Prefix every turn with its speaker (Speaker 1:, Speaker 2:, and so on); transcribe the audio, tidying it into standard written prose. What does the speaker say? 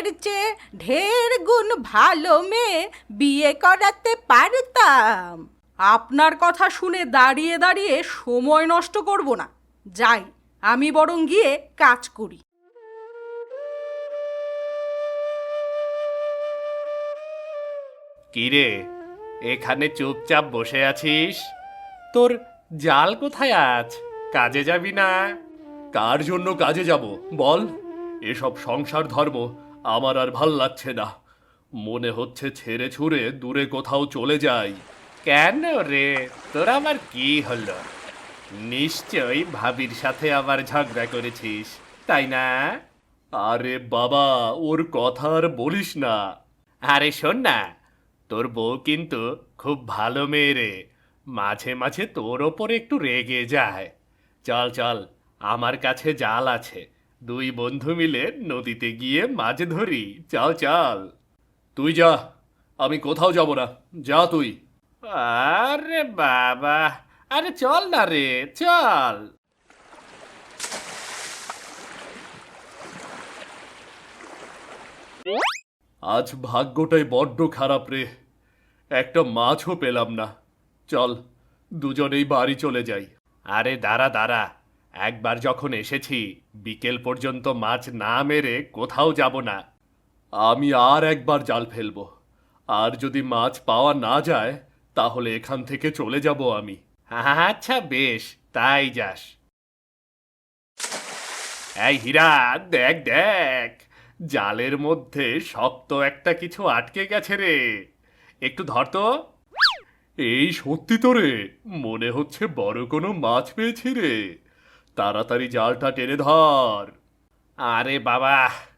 Speaker 1: এর চেয়ে ঢের গুণ ভালো মেয়ে বিয়ে করাতে পারতাম। আপনার কথা শুনে দাঁড়িয়ে দাঁড়িয়ে সময় নষ্ট করব না, যাই আমি বরং গিয়ে কাজ করি।
Speaker 2: কিরে, এখানে চুপচাপ বসে আছিস? তোর জাল কোথায় আজ? কাজে যাবি না? কার জন্য কাজে যাব বল? এসব সংসার ধর্ম আমার আর ভাল লাগছে না। মনে হচ্ছে ছেড়ে ছুড়ে দূরে কোথাও চলে যাই। কেন রে, তোর আমার কি হলো? নিশ্চয়ই ভাবির সাথে আবার ঝগড়া করেছিস, তাই না? আরে বাবা, ওর কথা আর বলিস না। আরে শোন না, তোর বউ কিন্তু খুব ভালো মেয়ে রে। মাঝে মাঝে তোর ওপরে একটু রেগে যায়। চল চল, আমার কাছে জাল আছে। দুই বন্ধু মিলে নদীতে গিয়ে মাছ ধরি। চল চল। তুই যা, আমি কোথাও যাব না। যা তুই। আরে বাবা, আরে চল না রে, চল। আজ ভাগ্যটাই বড্ড খারাপ রে, একটা মাছও পেলাম না। চল, দুজনেই বাড়ি চলে যাই। আরে দাঁড়া দাঁড়া, একবার যখন এসেছি বিকেল পর্যন্ত মাছ না মেরে কোথাও যাব না। আমি আর একবার জাল ফেলবো, আর যদি মাছ পাওয়া না যায় তাহলে এখান থেকে চলে যাব আমি। আচ্ছা বেশ, তাই যাস। এই হীরা, দেখ দেখ, জালের মধ্যে শক্ত একটা কিছু আটকে গেছে রে। একটু ধর তো। এই সত্যি তো রে, মনে হচ্ছে বড় কোনো মাছ পেয়েছি রে। তাড়াতাড়ি জালটা টেনে ধর। আরে বাবা,